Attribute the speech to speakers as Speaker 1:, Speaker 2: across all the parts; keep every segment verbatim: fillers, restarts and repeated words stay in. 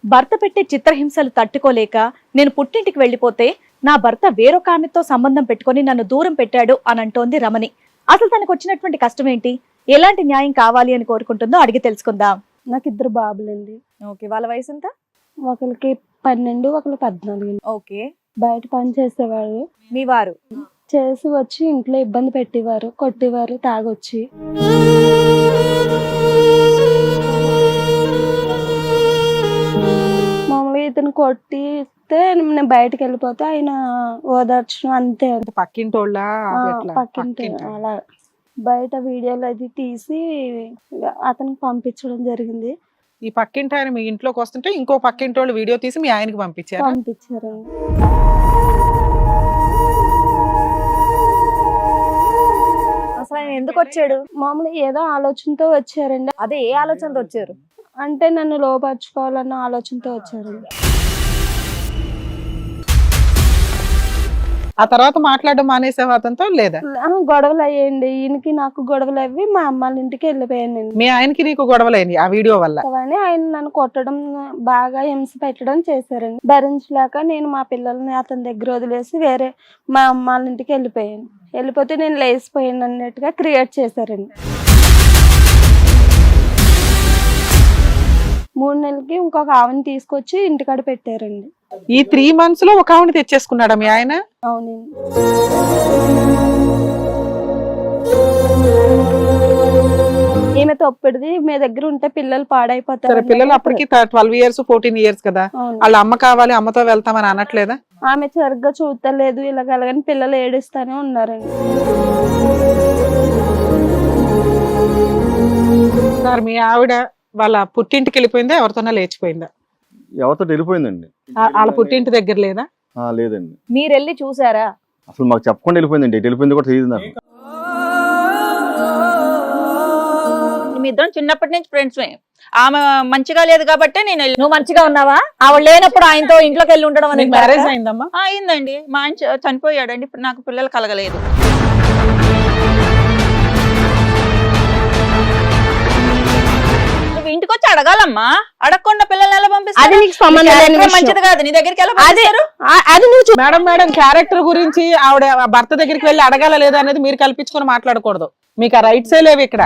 Speaker 1: భర్త పెట్టే చిత్రహింసలు తట్టుకోలేక నేను పుట్టింటికి వెళ్లిపోతే నా భర్త వేరొక ఆమెతో సంబంధం పెట్టుకొని నన్ను దూరం పెట్టాడు అని అంటోంది రమణి. అసలు తనకు వచ్చినటువంటి కష్టం ఏంటి, ఎలాంటి న్యాయం కావాలి అని కోరుకుంటుందో అడిగి తెలుసుకుందాం.
Speaker 2: నాకు ఇద్దరు బాబులండి.
Speaker 1: ఓకే, వాళ్ళ వయసు ఎంత?
Speaker 2: ఒకరికి పన్నెండు, ఒకరికి పద్నాలుగు.
Speaker 1: ఓకే,
Speaker 2: బయట పని చేసేవారు.
Speaker 1: మీ వారు
Speaker 2: చేసి వచ్చి ఇంట్లో ఇబ్బంది పెట్టేవారు, కొట్టేవారు తాగొచ్చి. మామూలుగా ఇతను కొట్టితే నేను బయటకు వెళ్ళిపోతే ఆయన ఓదార్చడం అంతే.
Speaker 3: పక్కింటోళ్ళ
Speaker 2: పక్కింటి అలా బయట వీడియోలు అది తీసి అతనికి పంపించడం జరిగింది.
Speaker 3: ఈ పక్కింటి ఆయన మీ ఇంట్లోకి వస్తుంటే ఇంకో పక్కింటి వాళ్ళు వీడియో తీసి మీ ఆయనకి పంపించారు
Speaker 2: పంపించారండి.
Speaker 1: అసలు ఆయన ఎందుకు వచ్చాడు?
Speaker 2: మామూలుగా ఏదో ఆలోచనతో వచ్చారండి.
Speaker 1: అదే ఏ ఆలోచనతో వచ్చారు?
Speaker 2: అంటే నన్ను లోపరుచుకోవాలన్న ఆలోచనతో వచ్చారండి.
Speaker 3: ఆ తర్వాత మాట్లాడడం మానేసే అతనితో లేదా?
Speaker 2: గొడవలు అయ్యండి, ఈయనకి నాకు గొడవలు అవి మా అమ్మాళ్ళ ఇంటికి వెళ్ళిపోయానండి.
Speaker 3: మీ ఆయనకి నీకు గొడవలైంది ఆ వీడియో వల్ల?
Speaker 2: అని ఆయన నన్ను కొట్టడం, బాగా హింస పెట్టడం చేశారండి. భరించలేక నేను మా పిల్లల్ని అతని దగ్గర వదిలేసి వేరే మా అమ్మాళ్ళ ఇంటికి వెళ్ళిపోయాను. వెళ్ళిపోతే నేను లేచిపోయాను అన్నట్టుగా క్రియేట్ చేశారండి. మూడు నెలలకి ఇంకొక ఆవిని తీసుకొచ్చి ఇంటికాడ పెట్టారండి.
Speaker 3: ఈ త్రీ మంత్స్ లో ఒక ఆవిని తెచ్చేసుకున్నాడా మీ ఆయన?
Speaker 2: అవునండి. ఈమె తొప్పిడిది, మీ దగ్గర ఉంటే పిల్లలు పాడైపోతారు.
Speaker 3: పిల్లలు అప్పటికి ట్వెల్వ్ ఇయర్స్ ఫోర్టీన్ ఇయర్స్ కదా, వాళ్ళ అమ్మ కావాలి అమ్మతో వెళ్తామని అనట్లేదా?
Speaker 2: ఆమె సరిగ్గా చూడలేదు, ఇలాగలగని పిల్లలు ఏడుస్తానే ఉన్నారండి.
Speaker 3: సార్ మీ ఆవిడ వాళ్ళ పుట్టింటికి వెళ్ళిపోయిందా, ఎవరితోనా లేచిపోయిందా?
Speaker 4: ఎవరితో వెళ్ళిపోయిందండి.
Speaker 3: వాళ్ళ పుట్టింటి దగ్గర లేదా?
Speaker 4: లేదండి.
Speaker 1: మీరు వెళ్ళి చూసారా?
Speaker 4: అసలు మాకు చెప్పకుండా వెళ్ళిపోయిందండి. వెళ్ళిపోయింది కూడా తెలియదు నాకు.
Speaker 5: మీ ఇద్దరం చిన్నప్పటి నుంచి ఫ్రెండ్స్. ఆమె మంచిగా లేదు కాబట్టి నేను వెళ్ళి.
Speaker 1: నువ్వు మంచిగా ఉన్నావా? ఆవిడ లేనప్పుడు ఆయనతో ఇంట్లోకి వెళ్ళి ఉండడం అనేది
Speaker 3: మ్యారేజ్ అయిందమ్మా?
Speaker 5: అయిందండి. మా ఆయన చ- చనిపోయాడండి. ఇప్పుడు నాకు పిల్లలు కలగలేదు. నువ్వు ఇంటికి వచ్చి అడగాలమ్మా, అడగకుండా పిల్లల్ని ఎలా పంపిస్తారు? మంచిది కాదు. నీ దగ్గరికి ఎలా పంపిస్తారు?
Speaker 3: మేడం మేడం క్యారెక్టర్ గురించి ఆవిడ భర్త దగ్గరికి వెళ్ళి అడగాల లేదా అనేది మీరు కల్పించుకొని మాట్లాడకూడదు. మీకు ఆ రైట్సే లేవు ఇక్కడ.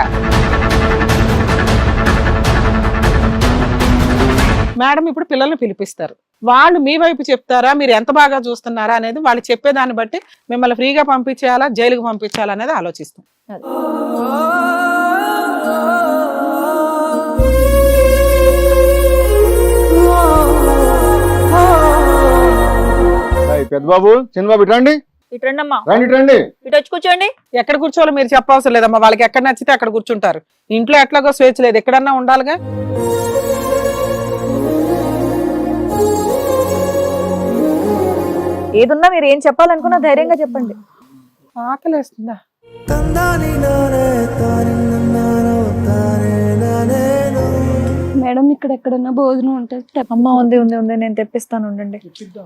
Speaker 3: మేడం ఇప్పుడు పిల్లల్ని పిలిపిస్తారు, వాళ్ళు మీ వైపు చెప్తారా, మీరు ఎంత బాగా చూస్తున్నారా అనేది వాళ్ళు చెప్పేదాన్ని బట్టి మిమ్మల్ని ఫ్రీగా పంపించేయాలా, జైలుకు పంపించాలా అనేది ఆలోచిస్తాం.
Speaker 4: పెద్ద బాబు, చిన్న బాబు ఇటు రండి.
Speaker 5: ఇటు రండి అమ్మా,
Speaker 4: రండి ఇటు రండి.
Speaker 5: ఇటు వచ్చి కూర్చోండి.
Speaker 3: ఎక్కడ కూర్చోవాలో మీరు చెప్పవసరం లేదమ్మా, వాళ్ళకి ఎక్కడ నచ్చితే అక్కడ కూర్చుంటారు. ఇంట్లో ఎట్లాగో స్వేచ్ఛ లేదు, ఎక్కడన్నా ఉండాలిగా.
Speaker 1: ఏదున్నా మీరు ఏం చెప్పాలనుకున్నా ధైర్యంగా చెప్పండి.
Speaker 3: ఆకలేస్తుందా?
Speaker 2: మేడం ఇక్కడ ఎక్కడన్నా భోజనం ఉంటుంది.
Speaker 1: అమ్మ ఉంది ఉంది ఉంది నేను తెప్పిస్తాను, ఉండండి.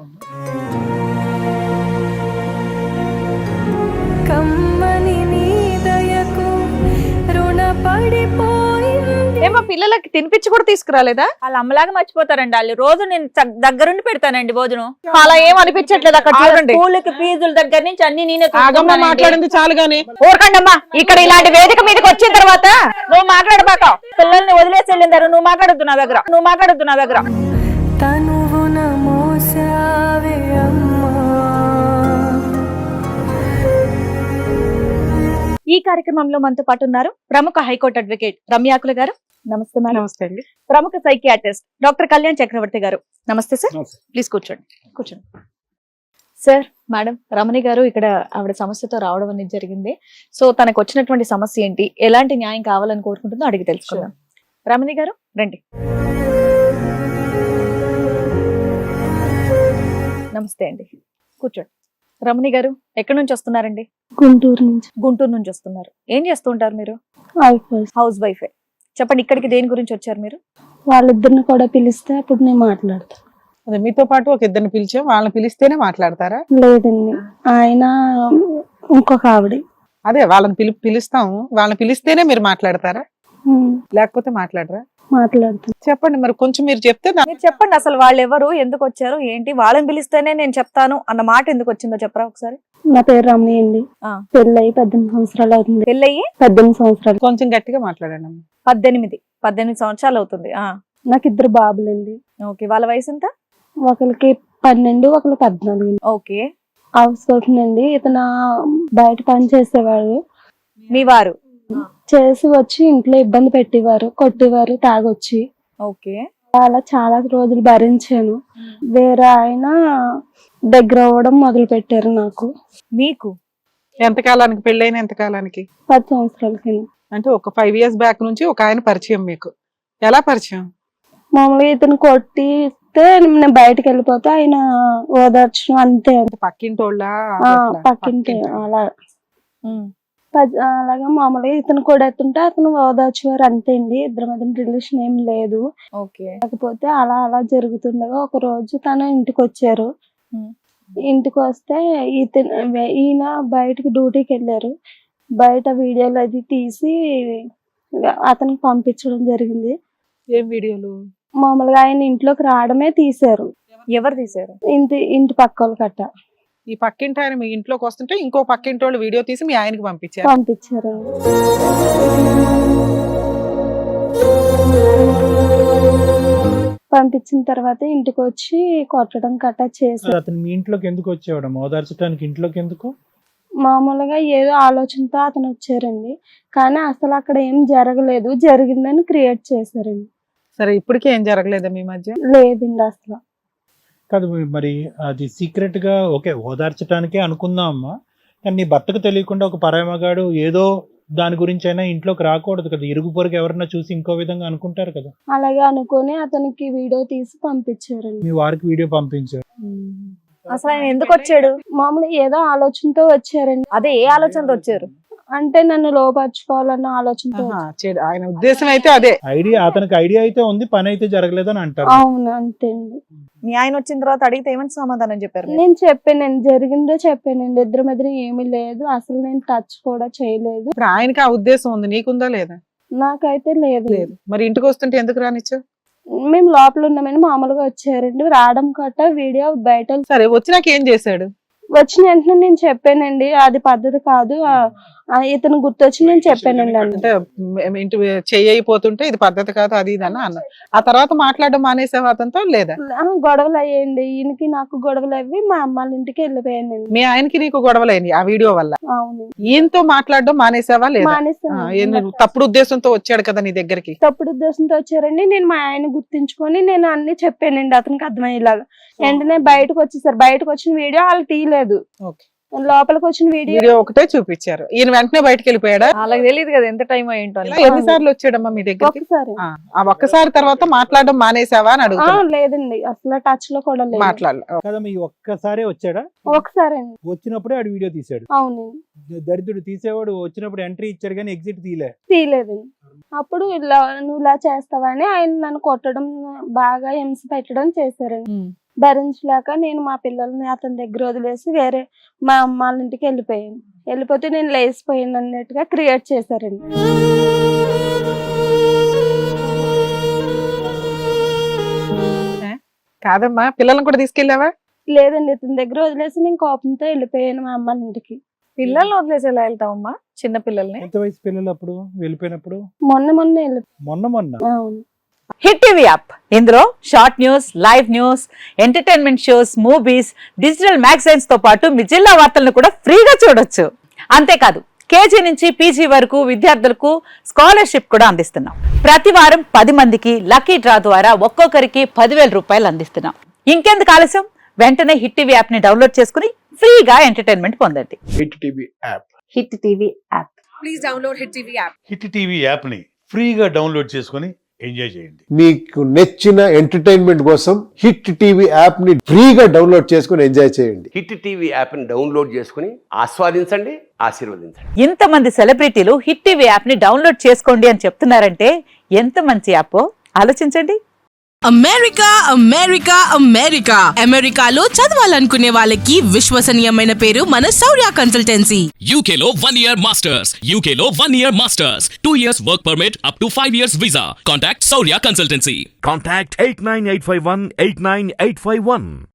Speaker 2: కమ్మని నీ దయకు రుణపడిపోయింది.
Speaker 1: ఏమో పిల్లలకి తినిపించి కూడా తీసుకురాలేదా?
Speaker 5: వాళ్ళ అమ్మలాగా మర్చిపోతారండి వాళ్ళు. రోజు నేను చ- దగ్గరుండి పెడతానండి భోజనం.
Speaker 1: అలా ఏం అనిపించట్లేదు అక్కడ చూడండి.
Speaker 5: స్కూల్కి ఫీజుల దగ్గర నుంచి అన్ని నేనే
Speaker 3: ఆగమ్మ
Speaker 5: చూసుకుంటానండి.
Speaker 3: మాట్లాడింది చాలు గాని.
Speaker 1: ఊరకండి అమ్మా, ఇక్కడ ఇలాంటి వేదిక మీదకి వచ్చిన తర్వాత
Speaker 5: నువ్వు మాట్లాడబాక. పిల్లల్ని వదిలేసి వెళ్ళిందారు. నువ్వు మాట్లాడొద్దు నా దగ్గర. నువ్వు మాట్లాడొద్దు నా దగ్గర.
Speaker 2: తనువున మోసావే అమ్మా.
Speaker 1: ఈ కార్యక్రమంలో మనతో పాటు ఉన్నారు ప్రముఖ హైకోర్టు అడ్వకేట్ రమ్యాకుల గారు. నమస్తే మేడం.
Speaker 3: నమస్తే అండి.
Speaker 1: ప్రముఖ సైకియాట్రిస్ట్ డాక్టర్ కళ్యాణ్ చక్రవర్తి గారు. నమస్తే సార్. ప్లీజ్ కూర్చోండి కూర్చోండి సార్. మేడం, రమణి గారు ఇక్కడ ఆవిడ సమస్యతో రావడం అనేది జరిగింది. సో తనకు వచ్చినటువంటి సమస్య ఏంటి, ఎలాంటి న్యాయం కావాలని కోరుకుంటుందో అడిగి తెలుసుకుందాం. రమణి గారు రండి. నమస్తే అండి, కూర్చోండి. రమణి గారు ఎక్కడి నుంచి వస్తున్నారండి?
Speaker 2: గుంటూరు నుంచి.
Speaker 1: గుంటూరు నుంచి వస్తున్నారు. ఏం చేస్తూ ఉంటారు మీరు?
Speaker 2: అయిపోయి
Speaker 1: హౌస్ వైఫే. చెప్పండి, ఇక్కడికి దేని గురించి వచ్చారు మీరు?
Speaker 2: వాళ్ళిద్దరిని కూడా పిలిస్తే అప్పుడు నేను మాట్లాడతాను.
Speaker 3: అదే మీతో పాటు ఒక ఇద్దరిని పిలిచాం, వాళ్ళని పిలిస్తేనే మాట్లాడతారా?
Speaker 2: లేదండి, ఆయన ఇంకొక ఆవిడ.
Speaker 3: అదే వాళ్ళని పిలి పిలుస్తాం, వాళ్ళని పిలిస్తేనే మీరు మాట్లాడతారా? లేకపోతే మాట్లాడరా?
Speaker 2: మాట్లాడుతాను.
Speaker 3: చెప్పండి మరి కొంచెం మీరు చెప్తే దా-
Speaker 1: మీరు చెప్పండి అసలు వాళ్ళు ఎవరు, ఎందుకు వచ్చారు, ఏంటి, వాళ్ళని పిలిస్తేనే నేను చెప్తాను అన్న మాట ఎందుకు వచ్చిందో చెప్పరా ఒకసారి.
Speaker 2: నా పేరు రమణి అండి.
Speaker 1: ఆ.
Speaker 2: పెళ్ళయి పద్దెనిమిది సంవత్సరాలు అవుతుంది.
Speaker 1: పెళ్ళయి
Speaker 2: పద్దెనిమిది సంవత్సరాలు.
Speaker 3: కొంచెం గట్టిగా మాట్లాడండి అమ్మ.
Speaker 1: పద్దెనిమిది పద్దెనిమిది సంవత్సరాలు అవుతుంది. ఆ
Speaker 2: నాకు ఇద్దరు బాబులండి.
Speaker 1: ఓకే, వాళ్ళ వయసు ఎంత?
Speaker 2: ఒకరికి పన్నెండు, ఒకరికి పద్నాలుగు.
Speaker 1: ఓకే,
Speaker 2: హౌస్ వైఫ్ అండి. ఇతను బయట పని చేసేవాడు.
Speaker 1: మీ వారు
Speaker 2: చేసి వచ్చి ఇంట్లో ఇబ్బంది పెట్టేవారు, కొట్టేవారు తాగొచ్చి.
Speaker 1: ఓకే,
Speaker 2: అలా చాలా రోజులు భరించాను. వేరే ఆయన దగ్గర అవ్వడం మొదలు పెట్టారు నాకు.
Speaker 1: మీకు
Speaker 3: ఎంతకాలానికి పెళ్ళైన ఎంతకాలానికి?
Speaker 2: పది సంవత్సరాల కింద.
Speaker 3: అంటే ఒక ఫైవ్ ఇయర్స్ బ్యాక్ నుంచి ఒక ఆయన పరిచయం మీకు. ఎలా పరిచయం?
Speaker 2: మామూలుగా ఇతను కొట్టిస్తే నేను బయటకు వెళ్ళిపోతే ఆయన ఓదార్చడం అంతే.
Speaker 3: పక్కింటోళ్ళ
Speaker 2: ఆ, పక్కింటి అలా
Speaker 1: ఉమ్,
Speaker 2: పద్- అలాగా మామూలుగా ఇతను కూడా ఎత్తుంటే అతను ఓదార్చేవారు అంతే అండి. ఇద్దరి మధ్య రిలేషన్ ఏం లేదు.
Speaker 1: ఓకే,
Speaker 2: కాకపోతే అలా అలా జరుగుతుండగా ఒక రోజు తను ఇంటికి వచ్చారు.
Speaker 1: ఉమ్,
Speaker 2: ఇంటికి వస్తే ఇతను ఈయన బయటకు డ్యూటీకి వెళ్ళారు. బయట వీడియోలు అది తీసి అతనికి పంపించడం జరిగింది.
Speaker 3: ఏం వీడియోలు?
Speaker 2: మామూలుగా ఆయన ఇంట్లోకి రావడమే తీశారు.
Speaker 1: ఎవరు తీశారు?
Speaker 2: ఇంటి ఇంటి పక్క వాళ్ళు కట్ట
Speaker 3: ఈ పక్కింటి ఆయన మీ ఇంట్లోకి వస్తుంటే ఇంకో పక్కింటి వాళ్ళు వీడియో తీసి మీ ఆయనకి పంపించారు.
Speaker 2: పంపించారు. పంపించిన తర్వాత ఇంటికి వచ్చి కొట్టడం కట్ట చేశారు.
Speaker 6: అతను మీ ఇంట్లోకి ఎందుకు వచ్చేవాడు? ఓదార్చడానికి ఇంట్లోకి ఎందుకు?
Speaker 2: మామూలుగా ఏదో ఆలోచనతో అతను వచ్చారండి. కానీ అసలు అక్కడ ఏం జరగలేదు, జరిగిందని క్రియేట్ చేశారండి.
Speaker 3: సరే, ఇప్పటికే ఏం జరగలేదా మీ మధ్య?
Speaker 2: లేదండి అసలు.
Speaker 6: కాదు మరి అది సీక్రెట్ గా ఓకే ఓదార్చడానికే అనుకుందాం అమ్మా, కానీ నీ భర్తకు తెలియకుండా ఒక పరాయి మగాడు ఏదో దాని గురించి అయినా ఇంట్లోకి రాకూడదు కదా. ఇరుగు పొరుగు ఎవరన్నా చూసి ఇంకో విధంగా అనుకుంటారు కదా.
Speaker 2: అలాగే అనుకొని అతనికి వీడియో తీసి పంపించారండి.
Speaker 6: మీ వారికి వీడియో పంపించారు.
Speaker 1: అసలు ఆయన ఎందుకు వచ్చాడు?
Speaker 2: మామూలు ఏదో ఆలోచనతో వచ్చారండి.
Speaker 1: అదే ఏ ఆలోచనతో వచ్చారు?
Speaker 2: అంటే నన్ను లోపరుచుకోవాలన్న ఆలోచనతో
Speaker 3: ఆహా, చెడు. ఆయన ఉద్దేశం అయితే అదే.
Speaker 6: ఐడియా అతనికి ఐడియా అయితే ఉంది, పని అయితే జరగలేదని అంటారు.
Speaker 2: అవును అంతే అండి.
Speaker 1: మీ ఆయన వచ్చిన తర్వాత అడిగితే ఏమని సమాధానం చెప్పారు మీరు?
Speaker 2: నేను చెప్పానండి, జరిగిందో చెప్పానండి. ఇద్దరి మధ్య ఏమీ లేదు, అసలు నేను టచ్ కూడా చేయలేదు.
Speaker 3: ఇప్పుడు ఆయనకి ఆ ఉద్దేశం ఉంది, నీకుందా లేదా?
Speaker 2: నాకైతే లేదు.
Speaker 3: లేదు. మరి ఇంటికి వస్తుంటే ఎందుకు రానిచ్చు?
Speaker 2: మేము లోపల ఉన్నామని మామూలుగా వచ్చారండి. రావడం కట్ట వీడియో బయట
Speaker 3: సరే, వచ్చినాక ఏం చేశాడు?
Speaker 2: వచ్చిన వెంటనే నేను చెప్పానండి, అది పద్ధతి కాదు. ఆ, ఆ, ఇతను గుర్తొచ్చి నేను చెప్పానండి అన్న.
Speaker 3: అంటే మ్- ఇంటి చెయ్యిపోతుంటే ఇది పద్ధతి కాదు అది ఇది అని అన్న. ఆ తర్వాత మాట్లాడడం మానేసావు అతనితో లేదా?
Speaker 2: ఆ, గొడవలు అయ్యాయండి. ఈయనకి నాకు గొడవలు అవి మా అమ్మ వాళ్ళ ఇంటికి వెళ్ళిపోయానండి.
Speaker 3: మీ ఆయనకి నీకు గొడవలైంది ఆ వీడియో వల్ల.
Speaker 2: అవును,
Speaker 3: ఈయనతో మాట్లాడడం మానేసావా లేదా? ఆ,
Speaker 2: మానేస్తాను.
Speaker 3: ఈయన తప్పుడు ఉద్దేశంతో వచ్చాడు కదా నీ దగ్గరికి.
Speaker 2: తప్పుడు ఉద్దేశంతో వచ్చారండి. నేను మా ఆయన గుర్తించుకొని నేను అన్ని చెప్పానండి అతనికి అర్థమయ్యేలాగా. వెంటనే బయటకు వచ్చేసారు. బయటకు వచ్చిన వీడియో వాళ్ళు తీయలేదు.
Speaker 3: ఓకే.
Speaker 2: లోపలికి వచ్చిన వీడియో
Speaker 3: వీడియో ఒకటే చూపించారు. ఈయన వెంటనే బయటకు వెళ్ళిపోయాడా?
Speaker 1: వాళ్ళకి తెలియదు కదా ఎంత టైం అయ్యింటో అని.
Speaker 3: ఇలా ఎన్నిసార్లు వచ్చాడమ్మా మీ దగ్గరికి?
Speaker 2: ఒకసారి.
Speaker 3: ఆ, ఆ ఒక్కసారి తర్వాత మాట్లాడడం మానేసావా అని
Speaker 2: ఆ,
Speaker 3: అడుగుతున్నా.
Speaker 2: లేదండి అసలు టచ్ లో కూడా లేదు.
Speaker 3: మాట్లాడలే.
Speaker 6: కదా మీ ఒక్కసారే వచ్చాడా?
Speaker 2: ఒకసారి అండి.
Speaker 6: వచ్చినప్పుడే ఆడు వీడియో తీసాడు.
Speaker 2: అవును,
Speaker 6: దరిద్రుడు తీసేవాడు వచ్చినప్పుడు ఎంట్రీ ఇచ్చాడు కానీ ఎగ్జిట్ తీలే.
Speaker 2: తీయలేదండి. అప్పుడు ఇలా నువ్వు ఇలా చేస్తావని ఆయన నన్ను కొట్టడం, బాగా హింస పెట్టడం చేశారండి.
Speaker 3: ఉమ్.
Speaker 2: భరించలేక నేను మా పిల్లల్ని అతని దగ్గర వదిలేసి వేరే మా అమ్మ వాళ్ళ ఇంటికి వెళ్ళిపోయాను. వెళ్ళిపోతే నేను లేచిపోయాను అన్నట్టుగా క్రియేట్ చేశారండి.
Speaker 3: కాదమ్మా, పిల్లల్ని కూడా తీసుకెళ్ళావా?
Speaker 2: లేదండి, ఇతని దగ్గర వదిలేసి నేను కోపంతో వెళ్ళిపోయాను మా అమ్మ వాళ్ళ ఇంటికి.
Speaker 1: పిల్లల్ని వదిలేసి ఎలా వెళ్తావమ్మా, చిన్న పిల్లల్ని?
Speaker 6: ఎంత వయసు పిల్లలు అప్పుడు వెళ్ళిపోయినప్పుడు?
Speaker 2: మొన్న మొన్న వెళ్ళి
Speaker 6: మొన్న మొన్న
Speaker 2: అవును.
Speaker 5: హిట్ టీవీ యాప్, ఇందులో short news, live news, entertainment shows, movies, digital magazines తో పాటు మీ జిల్లా వార్తలను కూడా ఫ్రీగా చూడొచ్చు. అంతేకాదు, కేజీ నుంచి పీజీ వరకు విద్యార్థులకు స్కాలర్షిప్ కూడా అందిస్తున్నాం. ప్రతి వారం పది మందికి లక్కీ డ్రా ద్వారా ఒక్కొక్కరికి పదివేల రూపాయలు అందిస్తున్నాం. ఇంకెందుకు ఆలస్యం, వెంటనే హిట్ టీవీ యాప్ ని డౌన్లోడ్ చేసుకుని ఫ్రీగా ఎంటర్టైన్మెంట్ పొందండి.
Speaker 7: Hit TV app.
Speaker 5: Hit TV app.
Speaker 8: Hit TV యాప్ని ఫ్రీగా డౌన్లోడ్ చేసుకొని ఎంజాయ్ చేయండి.
Speaker 7: మీకు నచ్చిన ఎంటర్టైన్మెంట్ కోసం హిట్ టీవీ యాప్ ని ఫ్రీగా డౌన్లోడ్ చేసుకుని ఎంజాయ్ చేయండి.
Speaker 9: హిట్ టీవీ యాప్ని డౌన్లోడ్ చేసుకుని ఆస్వాదించండి, ఆశీర్వదించండి.
Speaker 5: ఇంతమంది సెలబ్రిటీలు హిట్ టీవీ యాప్ ని డౌన్లోడ్ చేసుకోండి అని చెప్తున్నారంటే ఎంత మంచి యాప్ ఆలోచించండి.
Speaker 10: అమెరికా అమెరికా అమెరికా అమెరికాలో చదవాలనుకునే వాళ్ళకి విశ్వసనీయమైన పేరు మన శౌర్య కన్సల్టెన్సీ.
Speaker 11: U K లో one year masters, U K లో one year masters, two years work permit up to five years visa. Contact Saurya Consultancy.
Speaker 12: Contact eight nine eight five one eight nine eight five one.